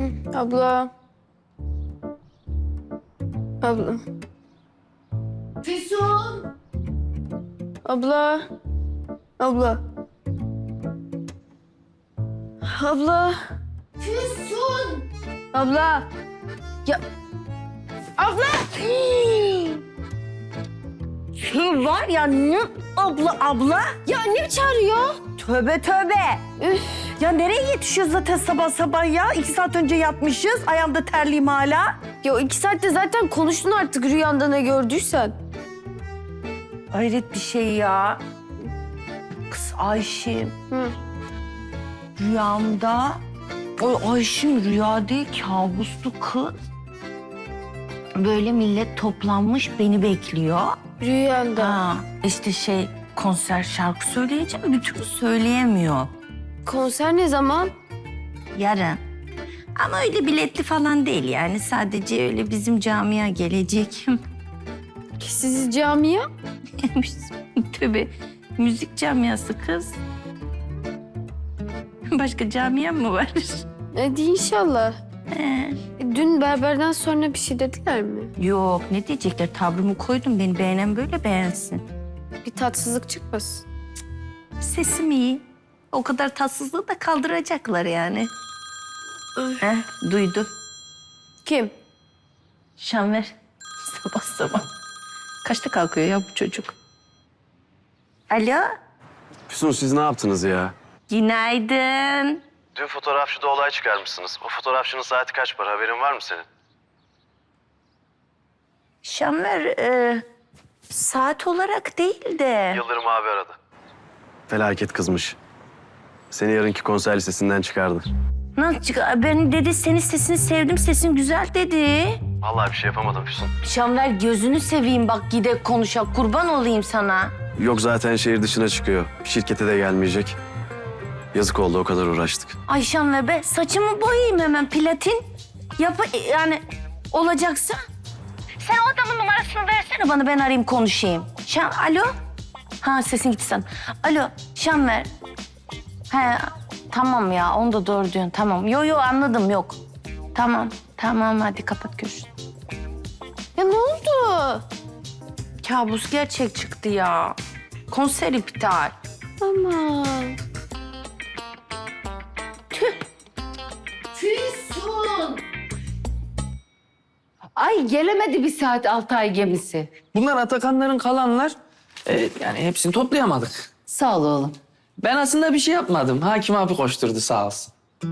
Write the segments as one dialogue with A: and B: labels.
A: Abla. Abla.
B: Füsun!
A: Abla. Abla. Abla.
B: Füsun!
A: Abla. Ya. Abla.
C: Şu var ya ne abla?
A: Ya annem çağırıyor.
C: Tövbe tövbe.
A: Üf.
C: Ya nereye yetişiyoruz zaten sabah sabah ya? 2 saat önce yatmışız. Ayağımda terliyim hala.
A: Ya o 2 saatte zaten konuştun artık rüyanda ne gördüysen.
C: Hayret bir şey ya. Kız Ayşim.
A: Hı.
C: Rüyamda... O Ayşim rüya değil kabustu kız. Böyle millet toplanmış beni bekliyor.
A: Rüyanda.
C: Ha, işte konser şarkı söyleyeceğim bir türlü söyleyemiyor.
A: Konser ne zaman?
C: Yarın. Ama öyle biletli falan değil yani. Sadece öyle bizim camia gelecek.
A: Siz camiye?
C: Tabii. Müzik camiası kız. Başka camia mı var?
A: Hadi inşallah.
C: He.
A: Dün berberden sonra bir şey dediler mi?
C: Yok ne diyecekler? Tavrımı koydum. Beni beğenen böyle beğensin.
A: Bir tatsızlık çıkmasın.
C: Sesim iyi. O kadar tatsızlığı da kaldıracaklar yani. Duydu.
A: Kim?
C: Şanver. Sabah sabah. Kaçta kalkıyor ya bu çocuk? Alo.
D: Füsun siz ne yaptınız ya?
C: Günaydın.
D: Dün fotoğrafçıda olay çıkarmışsınız. O fotoğrafçının saati kaç para haberin var mı senin?
C: Şanver saat olarak değil de...
D: Yıldırım abi aradı. Felaket kızmış. Seni yarınki konser listesinden çıkardı.
C: Nasıl çıkar? Ben dedi senin sesini sevdim, sesin güzel dedi.
D: Vallahi bir şey yapamadım Füsun.
C: Şanver gözünü seveyim bak gidip konuşak kurban olayım sana.
D: Yok zaten şehir dışına çıkıyor. Şirkete de gelmeyecek. Yazık oldu o kadar uğraştık.
C: Ay Şanver be saçımı boyayayım hemen platin. Yani olacaksa. Sen o adamın numarasını versene bana ben arayayım konuşayım. Alo? Ha sesin gitti sen. Alo Şanver. He tamam ya onu da doğru diyorsun tamam. Yo anladım yok. Tamam hadi kapat görüşürüz.
A: Ya ne oldu?
C: Kabus gerçek çıktı ya. Konser iptal.
A: Aman.
C: Tüh.
B: Füsun! Ay gelemedi bir saat Altay gemisi.
E: Bunlar Atakanların kalanlar. Yani hepsini toplayamadık.
B: Sağ ol oğlum.
E: Ben aslında bir şey yapmadım. Hakim abi koşturdu sağ olsun.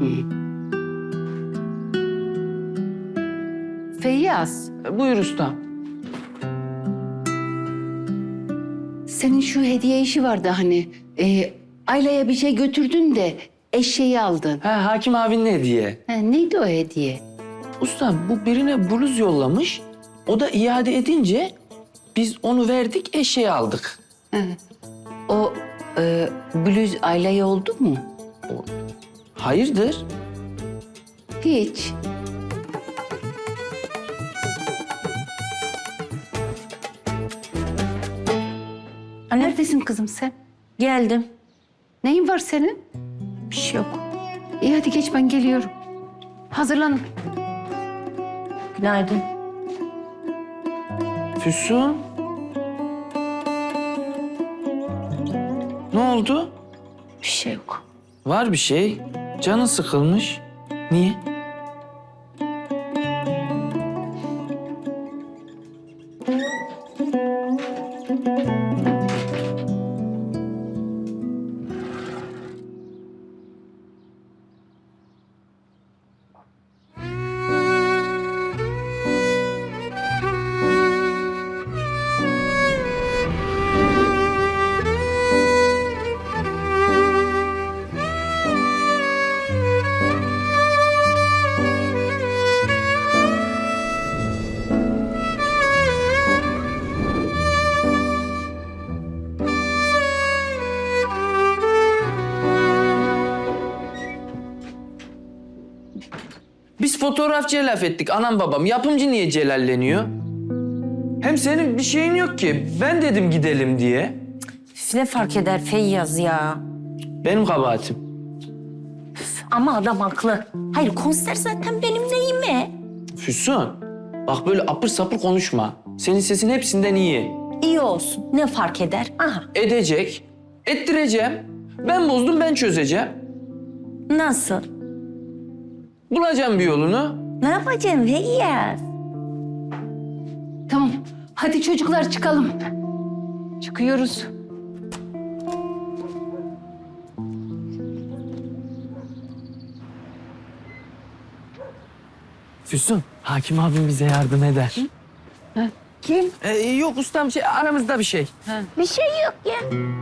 B: Feyyaz,
E: Buyur ustam.
B: senin şu hediye işi vardı hani. Ayla'ya bir şey götürdün de eşeği aldın.
E: Ha, Hakim abinin hediye.
B: Neydi o hediye?
E: Ustam bu birine bluz yollamış. O da iade edince biz onu verdik eşeği aldık.
B: O bluz Ayla'ya oldu mu?
E: Hayırdır?
B: Hiç. Neredesin kızım sen?
C: Geldim.
B: Neyin var senin?
C: Bir şey yok.
B: İyi hadi geç ben geliyorum. Hazırlanın.
C: Günaydın.
E: Füsun. Ne oldu?
C: Bir şey yok.
E: Var bir şey. Canın sıkılmış. Niye? Biz fotoğrafçıya laf ettik anam babam. Yapımcı niye celalleniyor? Hem senin bir şeyin yok ki. Ben dedim gidelim diye.
C: Ne fark eder Feyyaz ya?
E: Benim kabahatim.
C: Ama adam haklı. Hayır konser zaten benim neyime?
E: Füsun, bak böyle apır sapır konuşma. Senin sesin hepsinden iyi.
C: İyi olsun. Ne fark eder? Aha.
E: Edecek, ettireceğim. Ben bozdum, ben çözeceğim.
C: Nasıl?
E: Bulacağım bir yolunu.
C: Ne yapacağım Feyyaz?
B: Tamam. Hadi çocuklar çıkalım. Çıkıyoruz.
E: Füsun, hakim abim bize yardım eder.
C: Kim?
E: Yok ustam, aramızda bir şey.
C: Bir şey yok ya.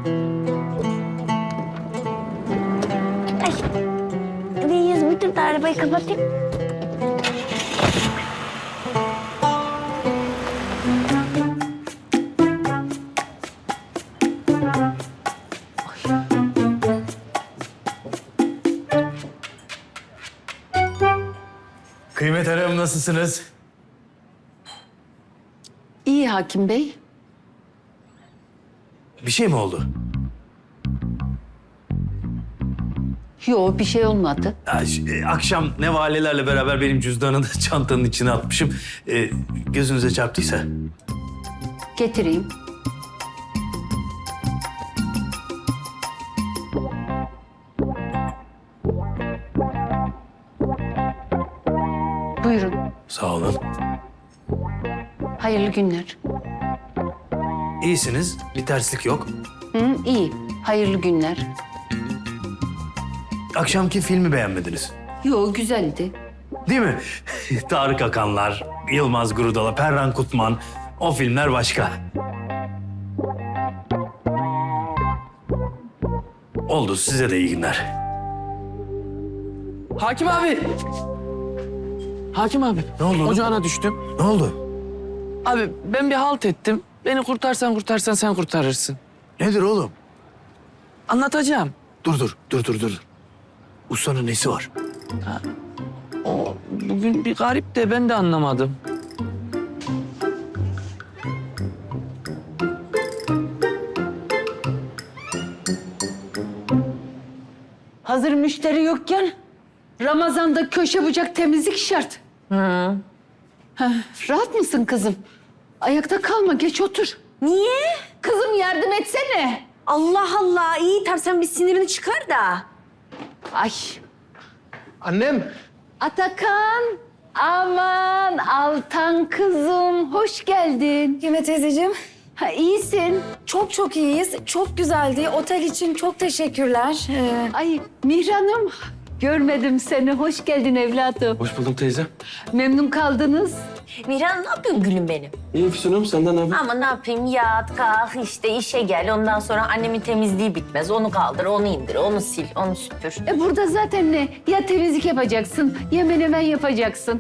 C: Ay. Feyyaz bir dur da arabayı kapatayım.
F: Kıymet Hanım nasılsınız?
B: İyi Hakim Bey.
F: Bir şey mi oldu?
B: Yok bir şey olmadı.
F: Akşam nevalelerle beraber benim cüzdanını da çantanın içine atmışım. Gözünüze çarptıysa.
B: Getireyim. Buyurun.
F: Sağ olun.
B: Hayırlı günler.
F: İyisiniz, bir terslik yok.
B: Hı, iyi. Hayırlı günler.
F: Akşamki filmi beğenmediniz.
B: Yok güzeldi.
F: Değil mi? Tarık Akanlar, Yılmaz Grudala, Perran Kutman. O filmler başka. Oldu, size de iyi günler.
E: Hakim abi. Hakim abi.
F: Ne oldu?
E: Ocağına düştüm.
F: Ne oldu?
E: Abi ben bir halt ettim. Beni kurtarsan sen kurtarırsın.
F: Nedir oğlum?
E: Anlatacağım.
F: Dur. Ustanın nesi var?
E: O bugün bir garip de ben de anlamadım.
B: Hazır müşteri yokken Ramazan'da köşe bucak temizlik şart.
C: Hı.
B: Rahat mısın kızım? Ayakta kalma, geç otur.
C: Niye?
B: Kızım yardım etsene.
C: Allah Allah. İyi tamam sen bir sinirini çıkar da.
B: Ay.
G: Annem.
B: Atakan. Aman Altan kızım, hoş geldin.
A: Kıymet teyzeciğim,
B: Ha, iyisin.
A: çok iyiyiz. Çok güzeldi. Otel için çok teşekkürler.
B: Ay Mihran'ım, görmedim seni. Hoş geldin evladım.
D: Hoş bulduk teyze.
B: Memnun kaldınız.
C: Mihran ne yapıyorsun gülüm benim?
D: İyi Füsun'um, senden ne haber?
C: Ama ne yapayım yat kalk işte işe gel. Ondan sonra annemin temizliği bitmez. Onu kaldır, onu indir, onu sil, onu süpür.
B: Burada zaten ne? Ya temizlik yapacaksın, ya menemen yapacaksın.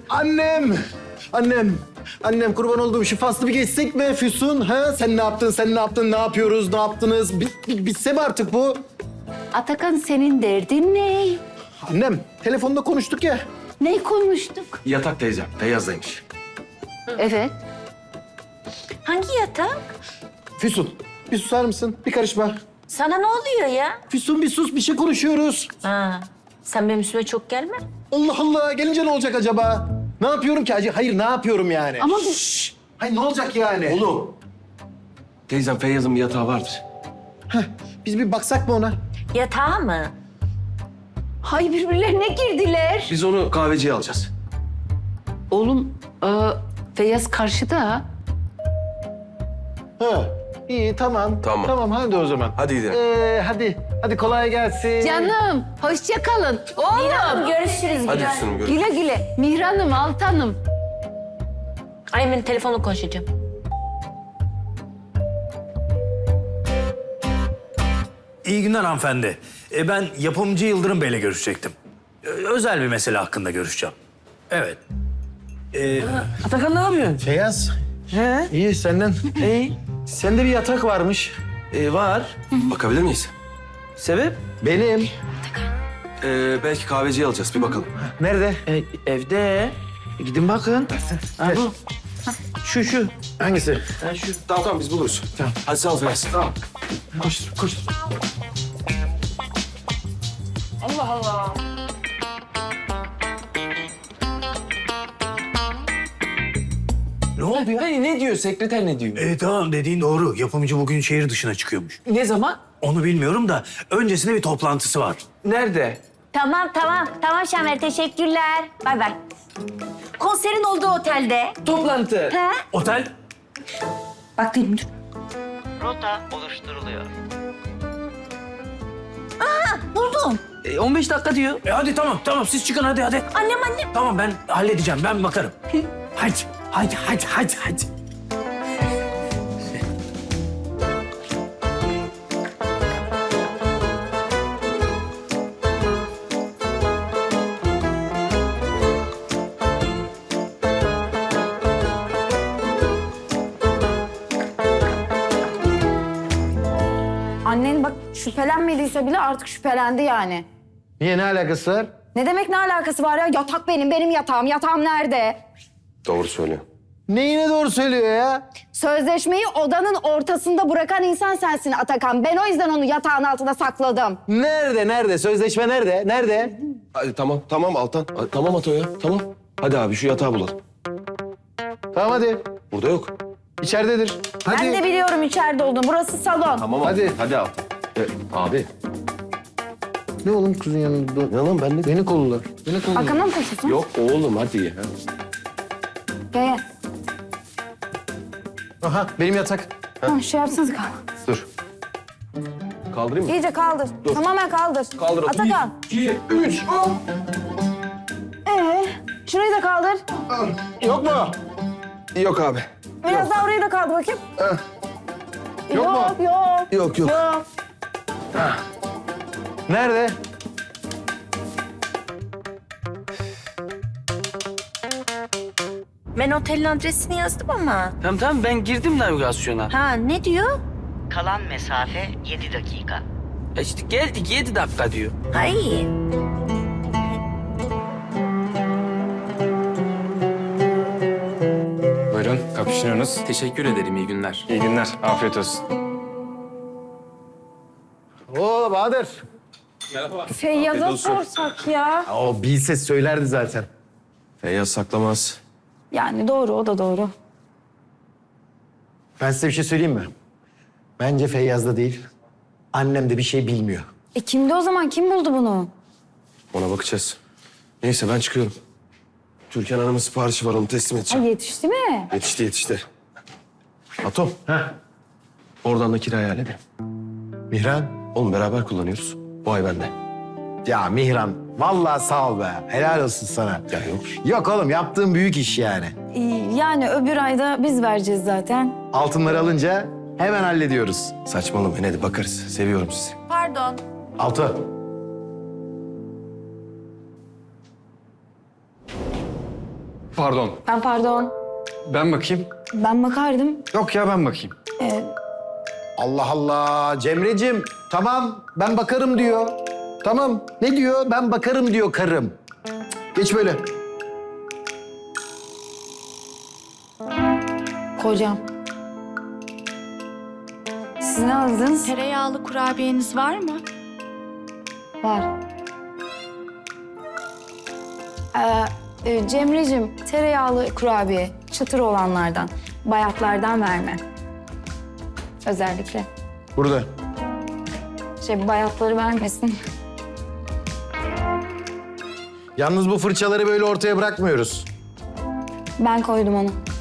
G: Annem kurban olduğum şu faslı bir geçsek mi Füsun? Ha? Sen ne yaptın, ne yapıyoruz, ne yaptınız? Bitse mi artık bu?
B: Atakan senin derdin ne?
G: Annem, telefonda konuştuk ya.
B: Ne konuştuk?
D: Yatak teyzem, Feyyaz'daymış.
B: Evet.
C: Hangi yatak?
G: Füsun, bir susar mısın? Bir karışma.
C: Sana ne oluyor ya?
G: Füsun bir sus, bir şey konuşuyoruz.
C: Ha, sen benim üstüme çok gelme.
G: Allah Allah, gelince ne olacak acaba? Ne yapıyorum ki acı? Hayır, ne yapıyorum yani?
B: Ama bu...
G: Hayır, ne olacak yani?
D: Oğlum. Teyzem Feyyaz'ın bir yatağı vardır.
G: Biz bir baksak mı ona?
C: Yatağı mı?
B: Hay birbirlerine girdiler.
D: Biz onu kahveciye alacağız.
B: Oğlum, Feyyaz karşıda.
G: Ha, iyi, tamam.
D: Tamam.
G: Tamam, hadi o zaman.
D: Hadi gidelim.
G: Hadi kolay gelsin.
B: Canım, hoşça kalın. Oğlum.
C: Görüşürüz.
D: Hadi Füsun'um, görüşürüz.
B: Güle güle. Mihran'ım, Altan'ım.
C: Ay ben telefonla konuşacağım.
F: İyi günler hanımefendi. Ben yapımcı Yıldırım Bey'le görüşecektim. Özel bir mesele hakkında görüşeceğim. Evet.
E: Atakan ne yapıyorsun?
G: Feyyaz,
E: He?
G: iyi senden.
E: İyi.
G: Sende bir yatak varmış.
E: Var.
D: Bakabilir miyiz?
E: Sebep?
G: Benim.
D: Belki kahveciye alacağız, bir bakalım.
G: Nerede?
E: Evde. Gidin bakın. Ha, bu. Şu.
G: Hangisi?
E: Ha, şu.
D: Tamam biz buluruz. Tamam. Hadi sağ ol Feyyaz. Tamam.
G: Koş.
C: Allah Allah.
E: oldu ya? Ne diyor? Sekreter ne diyor?
F: Tamam dediğin doğru. Yapımcı bugün şehir dışına çıkıyormuş.
E: Ne zaman?
F: Onu bilmiyorum da öncesinde bir toplantısı var.
E: Nerede?
C: Tamam. Tamam Şamer, teşekkürler. Bay bay. Konserin olduğu otelde.
E: Toplantı.
C: He?
F: Otel?
C: Bak dedim dur.
H: Rota oluşturuluyor.
C: Buldum.
E: 15 dakika diyor.
F: Hadi tamam siz çıkın hadi.
C: Annem.
F: Tamam ben halledeceğim ben bakarım. Hadi.
A: Annen bak şüphelenmediyse bile artık şüphelendi yani.
G: Niye, ne alakası var?
A: Ne demek ne alakası var ya? Yatak benim yatağım. Yatağım nerede?
D: Doğru söylüyor.
G: Neyine doğru söylüyor ya?
A: Sözleşmeyi odanın ortasında bırakan insan sensin Atakan. Ben o yüzden onu yatağın altına sakladım.
G: Nerede? Sözleşme nerede? Nerede?
I: Hadi tamam Altan. Tamam Ato ya, tamam. Hadi abi şu yatağı bulalım.
G: Tamam hadi.
I: Burada yok.
G: İçeridedir. Hadi.
A: Ben de biliyorum içeride olduğunu. Burası salon.
I: Tamam
G: Hadi.
I: Hadi Altan. Abi.
G: Ne oğlum kızın yanında?
I: Ne lan ben de?
G: Beni kollar. Beni kollar.
A: Arkamdan mı koşuyorsun?
I: Yok oğlum hadi ya.
A: Gel.
G: Aha benim yatak.
A: Tamam şey yapsanız kal.
I: Dur. Kaldırayım mı?
A: İyice kaldır. Tamamen kaldır.
I: Kaldır.
A: Atakan.
I: 2, 3.
A: Şurayı da kaldır.
G: Yok mu?
I: Yok abi.
A: Biraz daha orayı da kaldır bakayım.
G: Yok mu?
A: Yok.
I: Yok.
G: Nerede?
C: Ben otelin adresini yazdım ama.
E: Tamam ben girdim navigasyona.
C: Ha ne diyor?
H: Kalan mesafe 7 dakika.
E: İşte geldik 7 dakika diyor.
C: Ha iyi.
J: Buyurun, kapıştırıyorsunuz.
E: Teşekkür ederim, iyi günler.
J: İyi günler, afiyet olsun.
G: Oo Bahadır.
A: Feyyaz'a sorsak ya.
G: O bilse söylerdi zaten.
I: Feyyaz saklamaz.
A: Yani doğru o da doğru.
G: Ben size bir şey söyleyeyim mi? Bence Feyyaz'da değil. Annem de bir şey bilmiyor.
A: Kimdi o zaman? Kim buldu bunu?
I: Ona bakacağız. Neyse ben çıkıyorum. Türkan Hanım'ın siparişi var onu teslim edeceğim.
A: Yetişti mi?
I: Yetişti. Atom. Oradan da kirayı halledin.
G: Mihran.
I: Oğlum beraber kullanıyoruz. Bu ay bende.
G: Ya Mihran, vallahi sağ ol be. Helal olsun sana.
I: Ya yok.
G: Yok oğlum, yaptığın büyük iş yani.
A: Yani öbür ayda biz vereceğiz zaten.
G: Altınları alınca hemen hallediyoruz.
I: Saçmalamayın hadi bakarız. Seviyorum sizi.
A: Pardon.
G: Altı.
J: Pardon,
A: Pardon.
J: ben bakayım.
A: Ben bakardım.
J: Yok ya, ben bakayım.
G: Allah Allah. Cemre'cim, tamam ben bakarım diyor. Tamam. Ne diyor? Ben bakarım diyor karım. Geç böyle.
A: Kocam. Siz ne aldınız?
K: Tereyağlı kurabiyeniz var mı?
A: Var. Cemre'cim tereyağlı kurabiye, çıtır olanlardan, bayatlardan verme. Özellikle.
G: Burada.
A: Bayatları vermesin.
G: Yalnız bu fırçaları böyle ortaya bırakmıyoruz.
A: Ben koydum onu.